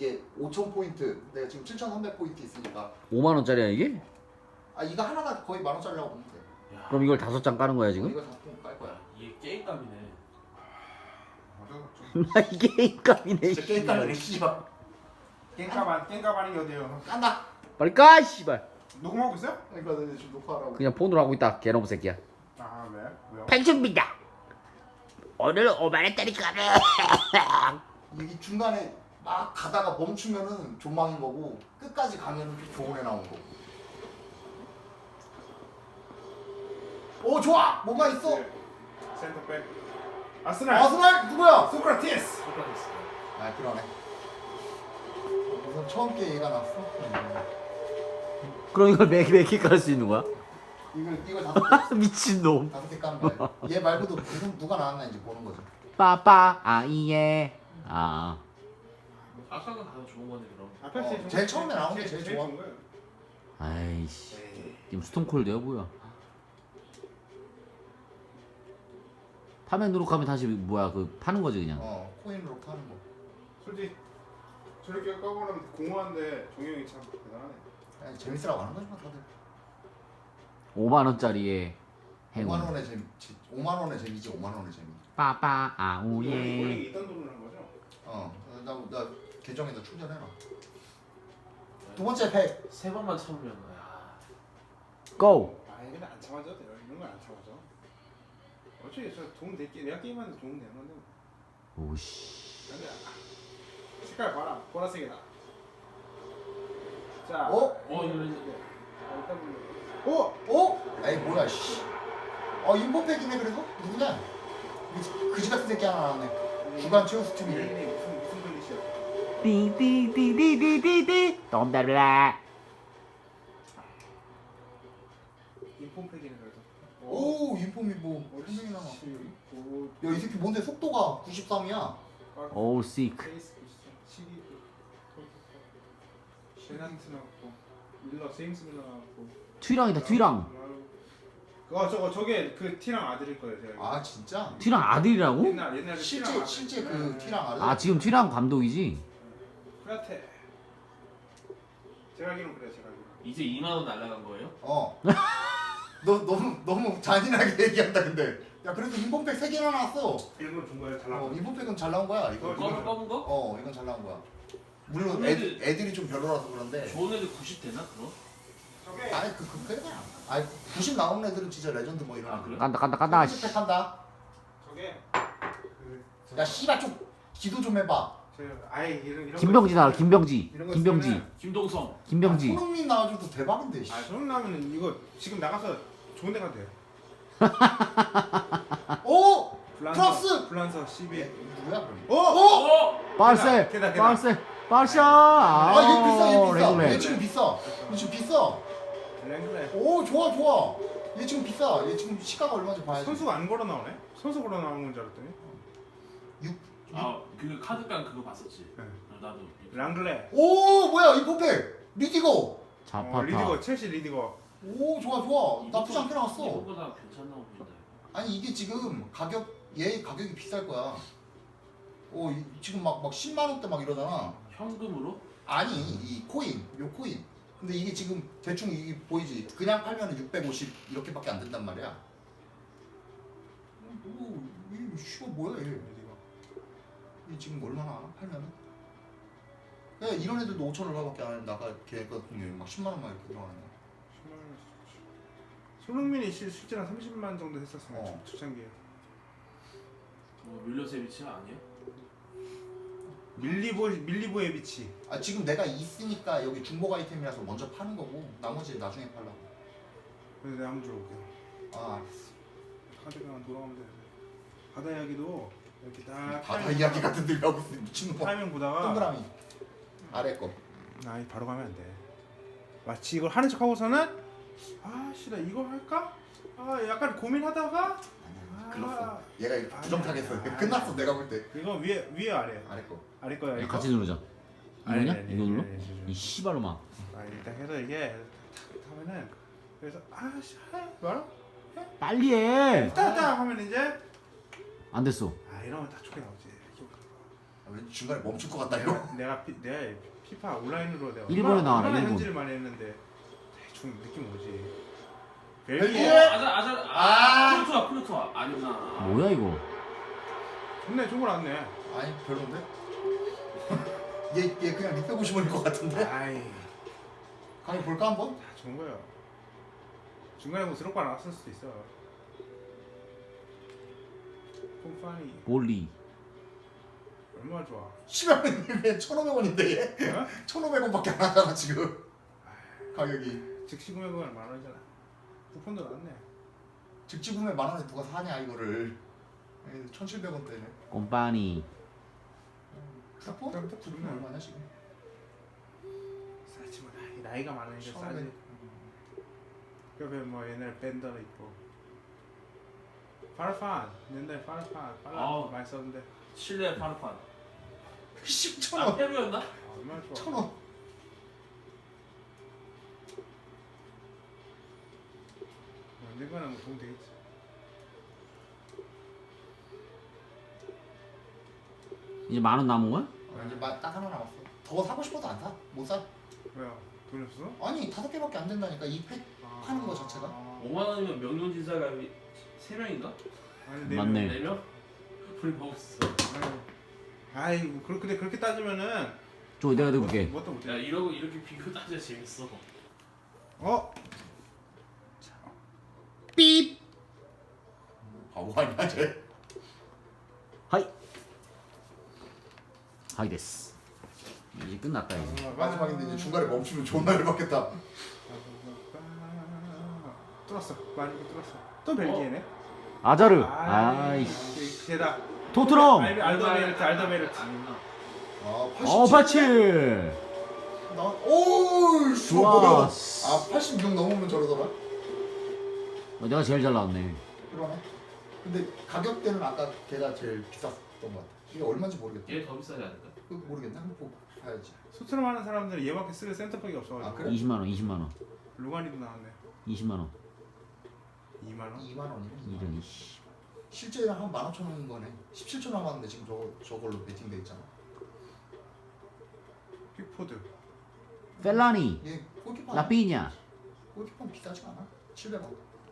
이게 5,000포인트 내가 지금 7,300포인트 있으니까 5만 원짜리야 이게? 아 이거 하나가 거의 10,000원짜리라고 보면 돼. 야, 그럼 이걸 5장 까는 거야 지금? 이거 다깔 거야. 이게 게임감이네. 나 이게 값이네. 진짜 게임 깔래 씨발. 깽값 아닌 게 어디에요? 깐다. 빨리 까 씨발. 녹음하고 있어요? 그러니까 내 지금 녹화하라고. 그냥 폰으로 하고 있다. 개놈 새끼야. 아 왜? 왜요? pension비다. 오늘 5만 원짜리 까네. 이게 중간에 막 가다가 멈추면은 존망인 거고 끝까지 가면은 좀 좋은 애 나오는 거고. 오 좋아. 뭔가 있어. 센터백 아스날 아스날 누구야? 소크라티스 똑같았어. 아 그러네. 우선 처음 게 얘가 났어. 그럼 이걸 매개 깔 수 있는 거야? 이걸 5개 미친놈. 5개 까는 거야. 얘 말고도 누가 나왔나 이제 보는 거지. 빠빠 아이예. 아. 아까가 가장 좋은 거네 그럼. 아펠 제일 처음에 나온 게 제일 좋아. 좋은 거예요. 아이씨. 에이. 지금 스톤콜드야 뭐야? 파면 누룩하면 다시 뭐야 그 파는 거지 그냥. 코인으로 파는 거. 솔직히 저렇게 까보면 공허한데 종영이 참 대단하네. 그냥 재밌으라고 하는 거지 뭐 다들. 5만 원짜리의 5만 행운. 원의 재미. 5만 원의 재미지 5만 원의 재미. 빠빠 원래 아우예. 있던 돈을 한 거죠? 나 계정에다 충전해놔. 두 번째 팩. 세 번만 참으면 야. 고. 아 근데 안 참아줘도 돼요. 이런 건 안 참아줘. 어차피 저 도움 될게 내가 게임하는데 도움 되는 건데. 오씨. 근데 색깔 봐라 보라색이다. 자. 이거 일단 에이 뭐야 씨. 인포팩이네 그래도? 누구냐? 그지 같은 새끼 하나 나왔네. 주간 최우 스팀이. 이름이 무슨 글리시야? 띠띠띠띠띠띠띠. 덤벨라. 인폼팩이네 그래도. 오 인폼이 뭐 분명히 나와. 야이 새끼 뭔데 속도가 93이야. 오 시크. 페이스 12. 셰나트 나왔고 밀러 제임스 밀러 나왔고. 튀랑이다 튀랑. 저게 그 티랑 아들일 거예요 제가. 아 진짜? 튀랑 아들이라고? 옛날 그 티랑 실제 아들. 그 티랑 아들. 아 지금 튀랑 감독이지? 프라테. 제가 알기로는 그래 제가 알기로. 이제 2만 원 날라간 거예요? 너 너무 잔인하게 얘기한다 근데. 야 그래도 인폼팩 3개나 나왔어. 이런 건 준 거예요 잘 나왔어. 인폼팩은 잘 나온 거야 이거. 검은 거? 이건 잘 나온 거야. 물론 좋은 애들이 좀 별로라서 그런데. 좋은 애들 90 되나 그럼? 저게 아니 그냥. 아니 90 나오는 애들은 진짜 레전드 뭐 이런. 아, 그래? 간다. 씨. 팩 한다. 저게 야 씨발 좀 기도 좀 해봐. 저 아예 이런 김병지 나와 김병지. 이런 거 김병지. 쓰면은- 김동성. 김병지. 손흥민 나와줘도 대박인데. 씨. 아 손흥민 나면은 이거 지금 나가서 좋은 데 가도 돼요. 오 플러스. 플란서 12. 얘 누구야 그럼? 어? 바르셀. 걔다. 바르셀. 바르샤. 아 얘 비싸 얘 레귤레. 지금 비싸. 얘 지금 비싸. 랭글레. 오 좋아. 얘 지금 비싸. 얘 지금 시가가 얼마인지 봐야지. 선수가 안 걸어 나오네? 선수 걸어 나오는 건 줄 알았더니. 그 카드깡 그거 봤었지. 네. 나도. 랑글레. 오 뭐야 인포팩 리디거. 자파타. 리디거 첼시 리디거. 오 좋아. 나쁘지 않게 나왔어. 이거보다 괜찮다고 보인다. 아니 이게 지금 얘 가격이 비쌀 거야. 지금 막 10만 원대 막 이러잖아. 현금으로? 아니 이 코인 요 코인. 근데 이게 지금 대충 이게 보이지? 그냥 팔면은 650 이렇게밖에 안 된단 말이야. 이 씨가 뭐야 얘? 리디거. 이 지금 얼마나 팔면은? 야 이런 애들도 5천 얼마밖에 안 해. 나가 걔 같은 경우에 막 10만 원만 이렇게 들어가는 거야. 10만 원. 손흥민이 실제로 한 30만 정도 했었어요. 초창기에. 밀로세비치 아니야? 밀리보에비치. 아 지금 내가 있으니까 여기 중복 아이템이라서 먼저 파는 거고 나머지 나중에 팔라고. 그래서 내가 한번 줘볼게요. 아 알았어. 카드가 돌아오면 돼. 바다 이야기도 이렇게 딱 바다 이야기 같은 데 하고 있어 미친놈아. 타이밍 보다가 동그라미 아래 거. 아이 바로 가면 안 돼. 마치 이걸 하는 척 하고서는 나 이거 할까? 약간 고민하다가 글렀어. 얘가 이렇게 아니야. 부정타겠어. 아니야. 끝났어 내가 볼 때. 이거 위에 아래 아래 거. 아래 거야 이거. 같이 누르자. 아니, 이거냐? 아니, 이거 눌러? 아니, 아니, 이 씨발로만. 일단 해서 이게 하면은 그래서 뭐라? 빨리 해. 따따 하면 이제 안 됐어. 이러면 딱 좋게 나오지. 왠지 중간에 멈출 것 같다 이거. 내가 피파 온라인으로 내가 일본에 나와라, 얼마나 일본. 현질을 많이 했는데 대충 느낌 오지. 벨기에? 벨기에 플루토아 아니구나. 뭐야 이거? 좋네, 좋은 거 나왔네. 아니 별론데? 얘 그냥 650원일 것 같은데? 아이, 강의 볼까 한번? 다 좋은 거예요. 중간에 뭐 드롭바 나왔을 수도 있어. 콤파니 몰리. 얼마나 좋아. 시간은 왜 1,500원인데 얘? 어? 1,500원밖에 안 하잖아 지금 가격이. 즉시 구매 금액 10,000원이잖아. 쿠폰도 나왔네. 직지 구매 10,000원에 누가 사냐 이거를. 1,700원대네. 꼼파니. 쿠폰? 그럼 또 쿠폰 좋네. 얼마냐 지금? 싸지 뭐 나이가 많으니까 1,500. 싸지. 옆에 뭐 옛날 밴더도 있고. 파르판 옛날 파르판 아우. 많이 썼는데. 실내 파르판. 10,000원. 페루였나? 얼마나 좋아. 1,000원. 언젠가는 뭐 도움 되겠지. 이제 10,000원 남은 거야? 이제 딱 하나 남았어. 더 사고 싶어도 안 사. 못 사. 왜요? 돈이 없어? 아니 5개밖에 안 된다니까 이 팩 파는 거 자체가. 5만 원이면 명륜진사가 3명인가? 아니 네 맞네. 명. 4명? 우리 먹었어. 아이고 근데 그렇게 따지면은 저 내가 들고 올게. 뭣도 못해. 야 이러고 이렇게 비교 따져 재밌어. 어? 삐. 바보 아니야 쟤. 하이. 하이 데스. 이제 끝났다 이제. 마지막인데 이제 중간에 멈추면 존나 열받겠다. 뚫었어. 많이 뚫었어. 또 벨기에네. 아자르. 아이씨. 제다. 토트넘. 알더베르트. 아니구나. 아 87. 오우 좋아. 아 86 넘으면 저러더라. 내가 제일 잘 나왔네. 그러네. 근데 가격대는 아까 걔가 제일 비쌌던 것 같아. 이게 얼마인지 모르겠다. 얘 더 비싸지 않을까? 그거 모르겠네. 한번 보고 봐야지. 소트넘 하는 사람들은 얘밖에 쓸 센터백이 없어가지고. 아, 그래? 20만 원, 20만 원. 루가니도 나왔네. 20만 원. 2만 원. 2만 원이네. 이런 씨. 실제는 한 15,000원인 거네. 17,000원 남았는데 지금 저걸로 베팅돼 있잖아. 픽포드. 펠라니. 얘 골키퍼 라피냐. 골키퍼는 비싸지 않아? 700원.